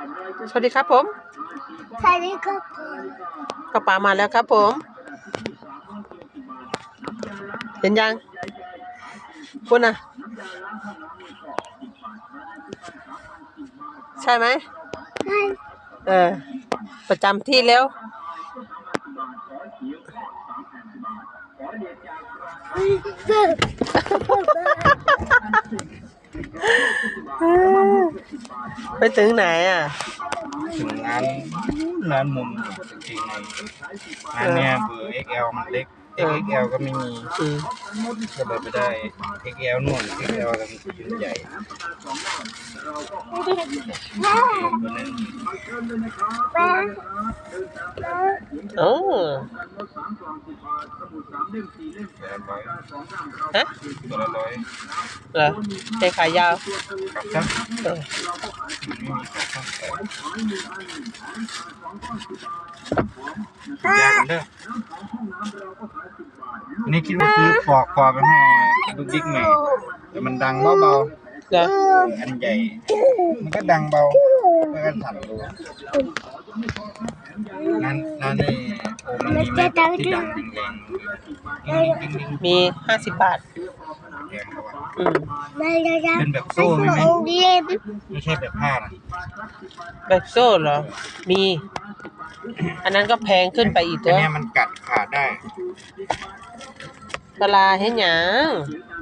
สวัสดีครับผมสวัสดีครับผมกระป๋ามาแล้วครับผม เห็นยังคุณน่ะใช่ไหมใช่ประจำที่แล้วไปถึงไหนอ่ะถึงร้านมุมจริงๆในร้านเนี่ยเบอร์ XL มันเล็ก XXL ก็ไม่มีก็เลยไปได้ XL นู่น XL กันชิ้นใหญ่ตัวนึงโอ้ฮะตัวละร้อยเหรอใช้ขายาวกับซักเออมันไม่มีกับซักแต่ยากกันเด้ออันนี้คิดว่าซื้อปอกคอไปให้ลูกดิ๊กใหม่แต่มันดังเบาเหรอๆอันใหญ่ มันก็ดังเบาก็กันสั่นดูนั่นนี่โอ้มันมีไหมที่ดังแรงๆดิ้งๆมี50 บาทแพงกว่าไม่ได้ยังเป็นแบบโซ่ไหมโรงเรียนไม่ใช่แบบผ้านะแบบโซ่เหรอ มี อันนั้นก็แพงขึ้นไปอีกอัตันวเนี้ยมันกัดขาดได้ปลาเห็นหยัง